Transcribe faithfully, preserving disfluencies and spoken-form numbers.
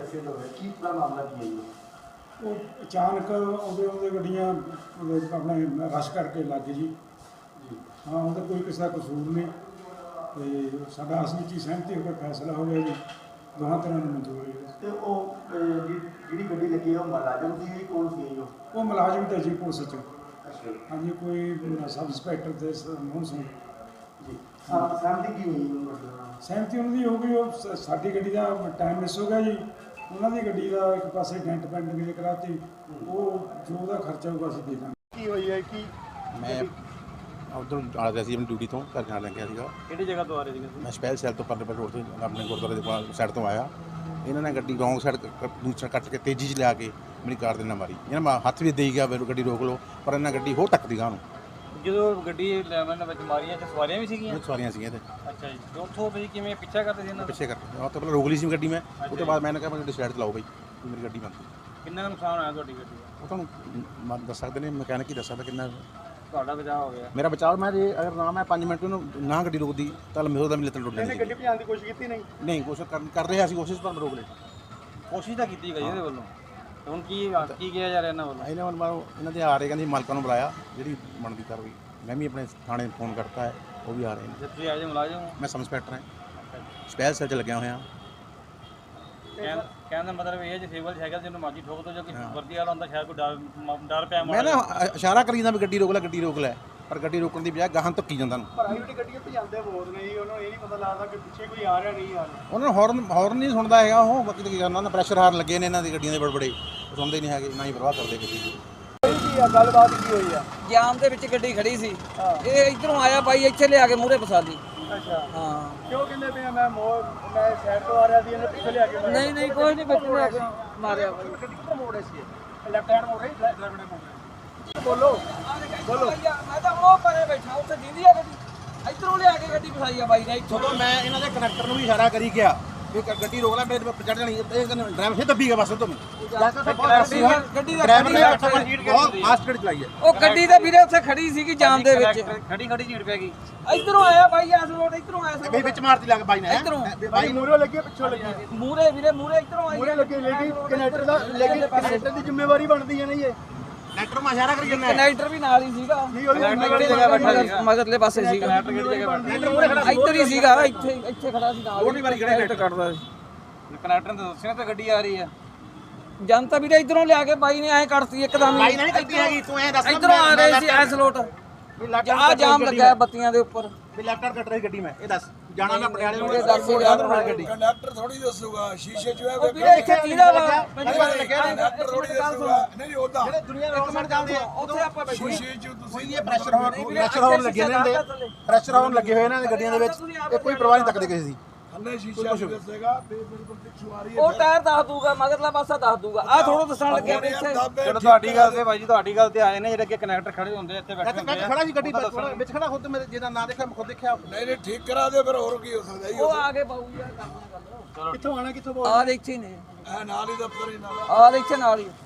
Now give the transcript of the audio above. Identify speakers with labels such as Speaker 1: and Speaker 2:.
Speaker 1: Accident ਹੋਇਆ, ਕੀ ਪੂਰਾ ਮਾਮਲਾ ਕੀ ਹੈ ਜੀ?
Speaker 2: ਉਹ ਅਚਾਨਕ ਆਉਂਦੇ ਆਉਂਦੇ ਗੱਡੀਆਂ ਉਹਦੇ ਆਪਣੇ ਰਸ਼ ਕਰਕੇ ਲੱਗ ਗਈ ਜੀ ਜੀ ਹਾਂ ਉਹਦਾ ਕੋਈ ਕਿਸੇ ਦਾ ਕਸੂਰ ਨਹੀਂ ਤੇ ਸਾਡਾ ਅਸਲ ਵਿੱਚ ਹੀ ਸਹਿਮਤੀ ਹੋ ਕੇ ਫੈਸਲਾ ਹੋ ਗਿਆ ਜੀ ਦੋਹਾਂ ਤਰ੍ਹਾਂ ਨੂੰ ਮਨਜ਼ੂਰ ਹੈ।
Speaker 1: ਤੇ ਉਹ ਅਹ, ਜਿ- ਜਿਹੜੀ ਗੱਡੀ ਲੱਗੀ ਹੈ ਉਹ ਮੁਲਾਜ਼ਮ ਸੀ, ਕੌਣ ਸੀ ਜੀ ਉਹ?
Speaker 2: ਉਹ ਮੁਲਾਜ਼ਮ ਤੇ ਜੀ ਪੁਲਿਸ 'ਚ
Speaker 1: ਅੱਛਾ
Speaker 2: ਹਾਂਜੀ ਕੋਈ ਸਬ ਇੰਸਪੈਕਟਰ ਤੇ ਮੋਹਨ ਸਿੰਘ ਜੀ
Speaker 1: ਸਾਹ ਸਹਿਮਤੀ ਕੀ ਹੋਈ ਉਹ ਮਸਲੇ ਨਾਲ?
Speaker 2: ਸਹਿਮਤੀ ਉਹਨਾਂ ਦੀ ਹੋ ਗਈ ਉਹ ਸ- ਸਾਡੀ ਗੱਡੀ ਦਾ ਟਾਈਮ ਮਿਸ ਹੋ ਗਿਆ ਜੀ ਉਹਨਾਂ ਦੀ ਗੱਡੀ ਦਾ ਇੱਕ ਪਾਸੇ ਡੈਂਟ ਪੈਂਟ ਵੀ ਕਰਾਤੀ ਉਹ ਜੋ ਉਹਦਾ ਖਰਚਾ ਹੋਊਗਾ ਅਸੀਂ ਦੇ ਦਾਂਗੇ।
Speaker 1: ਕੀ ਹੋਈ ਹੈ ਕੀ
Speaker 3: ਮੈਂ ਉਧਰੋਂ ਆ ਰਿਹਾ ਸੀ ਆਪਣੀ ਡਿਊਟੀ ਤੋਂ ਘਰ ਜਾਣ ਲੱਗਿਆ ਸੀਗਾ।
Speaker 4: ਕਿਹੜੀ ਜਗ੍ਹਾ ਤੋਂ ਆ ਰਹੇ ਸੀਗੇ ਤੁਸੀਂ?
Speaker 3: ਮੈਂ ਸਪੈਲ ਸੈਲ ਤੋਂ ਪਰਲੇ ਪਾਸੇ ਰੋਡ ਤੋਂ ਆਪਣੇ ਗੁਰਦੁਆਰੇ ਦੇ ਸਾਈਡ ਤੋਂ ਆਇਆ। ਇਹਨਾਂ ਨੇ ਗੱਡੀ ਰੌਂਗ ਸਾਈਡ ਦੂਸਰਾ ਕੱਟ ਕੇ ਤੇਜ਼ੀ 'ਚ ਲਿਆ ਕੇ ਮੇਰੀ ਕਾਰ ਦੇ ਨਾਲ ਮਾਰੀ। ਇਹਨਾਂ ਮੈਂ ਹੱਥ ਵੀ ਦੇਈ ਗਿਆ ਮੈਨੂੰ ਗੱਡੀ ਰੋਕ ਲਓ ਪਰ ਇਹਨਾਂ ਗੱਡੀ ਹੋਰ ਟੱਕਦੀ ਗਾਂ ਨੂੰ।
Speaker 4: ਜਦੋਂ ਗੱਡੀ ਲੈਵਨ ਵਿੱਚ ਮਾਰੀਆਂ ਤੇ ਸਵਾਰੀਆਂ ਵੀ ਸੀਗੀਆਂ?
Speaker 3: ਬਹੁਤ ਸਵਾਰੀਆਂ ਸੀਗੀਆਂ ਤੇ
Speaker 4: ਅੱਛਾ ਜੀ, ਤੇ ਉੱਥੋਂ ਤੁਸੀਂ ਕਿਵੇਂ ਪਿੱਛਾ ਕਰਦੇ ਸੀ ਇਹਨਾਂ ਦਾ?
Speaker 3: ਪਿੱਛੇ ਕਰਕੇ ਉਹ ਤੋਂ ਪਹਿਲਾਂ ਰੋਕ ਲਈ ਸੀ ਗੱਡੀ ਮੈਂ। ਉਹ ਤੋਂ ਬਾਅਦ ਮੈਂ ਕਿਹਾ ਮੈਂ ਗੱਡੀ ਸਾਈਡ 'ਤੇ ਲਾਓ ਬਾਈ ਮੇਰੀ ਗੱਡੀ ਬੰਦ।
Speaker 4: ਕਿੰਨਾ ਕੁ ਨੁਕਸਾਨ ਹੋਇਆ ਤੁਹਾਡੀ ਗੱਡੀ ਦਾ?
Speaker 3: ਉਹ ਤੁਹਾਨੂੰ ਮ- ਦੱਸ ਸਕਦੇ ਨੇ ਮਕੈਨਿਕ ਹੀ ਦੱਸ ਸਕਦਾ ਕਿੰਨਾ
Speaker 4: ਤੁਹਾਡਾ ਬਚਾਅ ਹੋ ਗਿਆ?
Speaker 3: ਮੇਰਾ ਬਚਾਅ। ਮੈਂ ਜੇ ਅਗਰ ਨਾ ਮੈਂ ਪੰਜ ਮਿੰਟ ਉਹਨੂੰ ਨਾ ਗੱਡੀ ਰੋਕਦੀ ਤਾਂ ਮੇਰੇ ਦਾ ਵੀ ਲੱਤ ਟੁੱਟ ਜਾਣੀ।
Speaker 1: ਗੱਡੀ ਭਜਾਉਣ ਦੀ ਕੋਸ਼ਿਸ਼ ਕੀਤੀ ਨਹੀਂ?
Speaker 3: ਨਹੀਂ ਕੋਸ਼ਿਸ਼ ਕਰ ਕਰ ਰਿਹਾ ਸੀ ਕੋਸ਼ਿਸ਼ ਪਰ ਰੋਕ ਲਈ।
Speaker 4: ਕੋਸ਼ਿਸ਼ ਤਾਂ ਕੀਤੀ ਗਈ ਇਹਦੇ ਵੱਲੋਂ, ਤੇ ਹੁਣ ਕੀ ਕੀ ਕਿਹਾ ਜਾ ਰਿਹਾ ਇਹਨਾਂ ਵੱਲੋਂ?
Speaker 3: ਇਹਨਾਂ ਵੱਲੋਂ ਇਹਨਾਂ ਦੇ ਆ ਰਹੇ ਕਹਿੰਦੇ ਮਾਲਕਾਂ ਨੂੰ ਬੁਲਾਇਆ ਜਿਹੜੀ ਬਣਦੀ ਕਾਰਵਾਈ। ਮੈਂ ਵੀ ਆਪਣੇ ਥਾਣੇ ਫੋਨ ਕਰਤਾ ਹੈ ਉਹ ਵੀ ਆ ਰਹੇ ਨੇ।
Speaker 4: ਜੇ ਤੁਸੀਂ ਆਜੇ ਮੁਲਾਜ਼ਮ ਹੋ?
Speaker 3: ਮੈਂ ਸਬ ਇੰਸਪੈਕਟਰ ਹਾਂ ਸਪੈਲ ਸੈਲ 'ਚ ਲੱਗਿਆ ਹੋਇਆ।
Speaker 4: ਕਹਿਣ ਕਹਿਣ ਦਾ ਮਤਲਬ ਇਹ ਹੈ ਜੇ ਸਿਵਲ ਸਾਈਕਲ ਜਿਹਨੂੰ ਮਰਜ਼ੀ ਠੋਕ ਦੋ, ਜੋ ਕਿ ਵਰਦੀ ਵਾਲਾ ਹੁੰਦਾ ਸ਼ਾਇਦ ਕੋਈ ਡਰ ਮ- ਡਰ ਪਿਆ
Speaker 3: ਮੈਂ ਨਾ ਇਸ਼ਾਰਾ ਕਰੀ ਜਾਂਦਾ ਵੀ ਗੱਡੀ ਰੋਕ ਲੈ ਗੱਡੀ ਰੋਕ ਲੈ ਪਰ ਗੱਡੀ ਰੋਕਣ ਦੀ ਬਜਾਏ ਗਾਹਾਂ ਧੱਕੀ ਜਾਂਦਾ ਨੂੰ।
Speaker 1: ਪ੍ਰਾਈਵੇਟ ਗੱਡੀਆਂ ਭਜਾਉਂਦੇ ਬਹੁਤ ਨੇ ਜੀ, ਉਹਨੂੰ ਇਹ ਨਹੀਂ ਪਤਾ ਲੱਗਦਾ ਕਿ ਪਿੱਛੇ ਕੋਈ ਆ ਰਿਹਾ ਨਹੀਂ ਆ ਰਿਹਾ।
Speaker 3: ਉਹਨਾਂ ਨੂੰ ਹੌਰਨ ਹੌਰਨ ਨਹੀਂ ਸੁਣਦਾ ਹੈਗਾ ਉਹ। ਬਾਕੀ ਤਾਂ ਕੀ ਕਰਨਾ ਉਹਨਾਂ ਪ੍ਰੈਸ਼ਰ ਹਾਰਨ ਲੱਗੇ ਨੇ ਇਹਨਾਂ ਦੀ ਗੱਡੀਆਂ ਦੇ ਬੜੇ ਬੜੇ ਸੁਣਦੇ ਨਹੀਂ ਹੈਗੇ ਨਾ ਹੀ ਪਰਵਾਹ ਕਰਦੇ ਕਿਸੇ ਦੀ।
Speaker 1: ਕੀ ਆ ਗੱਲਬਾਤ ਕੀ ਹੋਈ ਆ?
Speaker 5: ਜਾਮ ਦੇ ਵਿੱਚ ਗੱਡੀ ਖੜੀ ਸੀ ਇਹ ਇਧਰੋਂ ਆਇਆ ਬਾਈ ਇੱਥੇ ਲਿਆ ਕੇ ਮੂਹਰੇ ਫਸਾ ਲਈ।
Speaker 1: ਅੱਛਾ
Speaker 5: ਹਾਂ
Speaker 1: ਕਿਉਂ ਕਹਿੰਦੇ ਪਏ ਆ ਮੈਂ ਮੋੜ ਮੈਂ ਸਾਈਡ ਤੋਂ ਆ ਰਿਹਾ ਸੀ ਇਹਨੇ ਪਿੱਛੇ ਲਿਆ ਕੇ ਮਾਰਿਆ?
Speaker 5: ਨਹੀਂ ਨਹੀਂ ਕੋਈ ਨਹੀਂ ਬੱਚੇ ਲਿਆ ਕੇ ਮਾਰਿਆ ਬਾਈ।
Speaker 1: ਗੱਡੀ ਕਿੱਧਰ ਮੋੜੇ ਸੀ? ਲੈਫਟ ਹੈਂਡ ਮੋੜੇ ਡਰਾਈਵਰ ਨੇ ਮੋੜੇ। ਬੋਲੋ ਬੋਲੋ।
Speaker 5: ਮੈਂ ਤਾਂ ਉਹ ਪਰੇ ਬੈਠਾ ਉੱਥੇ ਦੀਦੀ ਆ ਗੱਡੀ ਇਧਰੋਂ ਲਿਆ ਕੇ ਗੱਡੀ ਫਸਾਈ ਆ ਬਾਈ ਨੇ ਇੱਥੋਂ।
Speaker 3: ਜਦੋਂ ਮੈਂ ਇਹਨਾਂ ਦੇ ਕਨੈਕਟਰ ਨੂੰ ਵੀ ਇਸ਼ਾਰਾ ਕਰੀ ਗਿਆ ਵੀ ਗ- ਗੱਡੀ ਰੋਕ ਲੈ ਮੇਰੇ ਚੜ ਜਾਣੀ ਇਹ ਡਰਾਈਵਰ ਫਿਰ ਦੱਬੀ ਗਿਆ ਬਸ ਤੋਂ
Speaker 5: ਗੱਡੀ ਦਾ
Speaker 3: ਡਰਾਈਵਰ ਨੇ ਬਹੁਤ ਫਾਸਟ ਗੱਡੀ ਚਲਾਈ ਹੈ।
Speaker 5: ਉਹ ਗੱਡੀ ਤਾਂ ਵੀਰੇ ਉੱਥੇ ਖੜੀ ਸੀਗੀ ਜਾਮ ਦੇ ਵਿੱਚ
Speaker 4: ਖੜੀ ਖੜੀ ਝੀੜ ਪੈ ਗਈ।
Speaker 5: ਇਧਰੋਂ ਆਇਆ ਬਾਈ ਐਸ ਰੋਡ ਇਧਰੋਂ ਆਇਆ
Speaker 3: ਬਈ ਵਿੱਚ ਮਾਰਤੀ ਲੱਗ ਬਾਈ ਨੇ
Speaker 5: ਇੱਧਰੋਂ।
Speaker 3: ਬਾਈ ਨੂੰ
Speaker 1: ਮੂਰੇ ਲੱਗੇ ਪਿੱਛੋਂ ਲੱਗੇ?
Speaker 5: ਮੂਹਰੇ ਵੀਰੇ ਮੂਹਰੇ ਇਧਰੋਂ ਆਈ
Speaker 1: ਮੂਰੇ ਲੱਗੇ ਲੇਕਿਨ ਕਨੈਕਟਰ ਦਾ ਲੇਕਿਨ ਕਨੈਕਟਰ ਦੀ ਜ਼ਿੰਮੇਵਾਰੀ ਬਣਦੀ ਹੈ ਨਾ ਇਹ।
Speaker 3: ਕਨੈਕਟਰ ਨੂੰ ਇਸ਼ਾਰਾ ਕਰੀ ਜਾਂਦਾ
Speaker 5: ਕਨੈਕਟਰ ਵੀ ਨਾਲ ਹੀ ਸੀਗਾ
Speaker 1: ਨਹੀਂ ਉਹਦੀ
Speaker 4: ਕਿਹੜੀ ਜਗ੍ਹਾ ਬੈਠਾ ਸੀਗਾ?
Speaker 5: ਮਗਰਲੇ ਪਾਸੇ ਸੀਗਾ
Speaker 4: ਕਿਹੜੀ ਜਗ੍ਹਾ ਬੈਠਾ?
Speaker 5: ਇੱਧਰ ਹੀ ਸੀਗਾ ਇੱਥੇ ਇੱਥੇ ਖੜਾ ਸੀ ਨਾਲ
Speaker 3: ਹੋਰ ਨਹੀਂ ਵਾਰੀ ਕਿਹੜੇ
Speaker 5: ਕਨੈਕਟਰ ਕੱਢਦਾ ਸੀ।
Speaker 4: ਕਨੈਕਟਰ ਨੇ ਦੱਸਿਆ ਤਾਂ ਗੱਡੀ ਆ ਰਹੀ ਆ।
Speaker 5: ਜਨਤਾ ਵੀਰੇ ਇਧਰੋਂ ਲਿਆ ਕੇ ਬਾਈ ਨੇ ਐ ਕੱਢਤੀ ਇੱਕਦਮ
Speaker 3: ਬਾਈ ਨੇ ਕਰਦੀ ਹੈਗੀ ਤੂੰ ਐ ਦੱਸ
Speaker 5: ਇਧਰੋਂ ਆ ਰਹੇ ਸੀ ਐਸ ਲੋਟ ਆ ਜਾਮ ਲੱਗਾ ਬੱਤੀਆਂ ਦੇ ਉੱਪਰ।
Speaker 3: ਵੀ ਲੈਫਟ ਕੱਟ ਰਹੀ ਗੱਡੀ ਮੈਂ ਇਹ ਦੱਸ ਜਾਣਾ ਮੈਂ ਪਟਿਆਲੇ ਨੂੰ
Speaker 5: ਇਹ ਦੱਸ ਯਾਰ
Speaker 3: ਗੱਡੀ
Speaker 6: ਕੰਡਕਟਰ ਥੋੜੀ ਦੱਸੂਗਾ ਸ਼ੀਸ਼ੇ 'ਚ
Speaker 5: ਉਹ ਵੀਰੇ ਇੱਥੇ ਕਿਹਦਾ ਵਾ
Speaker 6: ਕੰਡਕਟਰ ਥੋੜੀ ਦੱਸੂਗਾ ਨਹੀਂ ਨਹੀਂ ਉਹਦਾ
Speaker 3: ਦੁਨੀਆ ਰੋਡ ਸਾਈਡ ਚੱਲਦੇ ਆ
Speaker 5: ਉੱਥੇ ਆਪਾਂ ਬੈਠੇ
Speaker 6: ਸ਼ੀਸ਼ੇ 'ਚ ਤੁਸੀਂ
Speaker 3: ਕੋਈ ਇਹ ਪ੍ਰੈਸ਼ਰ ਹੋਣ ਪ੍ਰੈਸ਼ਰ ਹੋਣ ਲੱਗੇ ਨੇ ਇਹਦੇ ਪ੍ਰੈਸ਼ਰ ਹੋਣ ਲੱਗੇ ਹੋਏ ਇਹਨਾਂ ਦੇ ਗੱਡੀਆਂ ਦੇ ਵਿੱਚ ਇਹ ਕੋਈ ਪਰਵਾਹ ਨਹੀਂ ਤੱਕਦੇ ਕਿਸੇ ਦੀ।
Speaker 6: ਥੱਲੇ ਸ਼ੀਸ਼ਾ ਵੀ ਦੱਸੇਗਾ ਤੇ ਬਿਲਕੁਲ ਪਿੱਛੋਂ ਆ ਰਹੀ ਹੈ
Speaker 5: ਉਹ ਟਾਇਰ ਦੱਸ ਦੂਗਾ ਮਗਰਲਾ ਪਾਸਾ ਦੱਸ ਦੂਗਾ ਆ ਥੋੜਾ ਦੱਸਣ ਲੱਗਿਆ ਵੀ ਇੱਥੇ
Speaker 4: ਚਲੋ ਤੁਹਾਡੀ ਗੱਲ ਤੇ ਬਾਈ ਜੀ ਤੁਹਾਡੀ ਗੱਲ ਤੇ ਆਏ ਨੇ ਜਿਹੜੇ ਅੱਗੇ ਕਨੈਕਟਰ ਖੜੇ ਹੁੰਦੇ ਇੱਥੇ ਬੈਠੇ
Speaker 3: ਇੱਥੇ
Speaker 4: ਹੁੰਦੇ
Speaker 3: ਮੈਂ
Speaker 4: ਆ।
Speaker 3: ਖੜਾ ਸੀ ਗੱਡੀ ਵਿੱਚ ਖੜਾ ਖੁਦ ਮੇਰੇ ਜਿਹਦਾ ਨਾਂ ਦੇਖਿਆ ਮੈਂ ਖੁਦ ਦੇਖਿਆ।
Speaker 6: ਨਹੀਂ ਨਹੀਂ ਠੀਕ ਕਰਾ ਦੇ ਫਿਰ ਹੋਰ ਕੀ ਹੋ ਸਕਦਾ ਜੀ।
Speaker 5: ਉਹ ਆ ਕੇ ਬਾਊ ਯਾਰ ਕਰਨਾ ਗੱਲ
Speaker 1: ਕਿੱਥੋਂ ਆਣਾ ਕਿੱਥੋਂ
Speaker 5: ਆ ਦੇ ਇੱਥੇ ਹੀ ਨੇ
Speaker 6: ਇਹ ਨਾਲ ਹੀ ਦਫ਼ਤਰ ਹੀ ਨਾਲ
Speaker 5: ਆ ਦੇ ਇੱਥੇ ਨਾਲ ਹੀ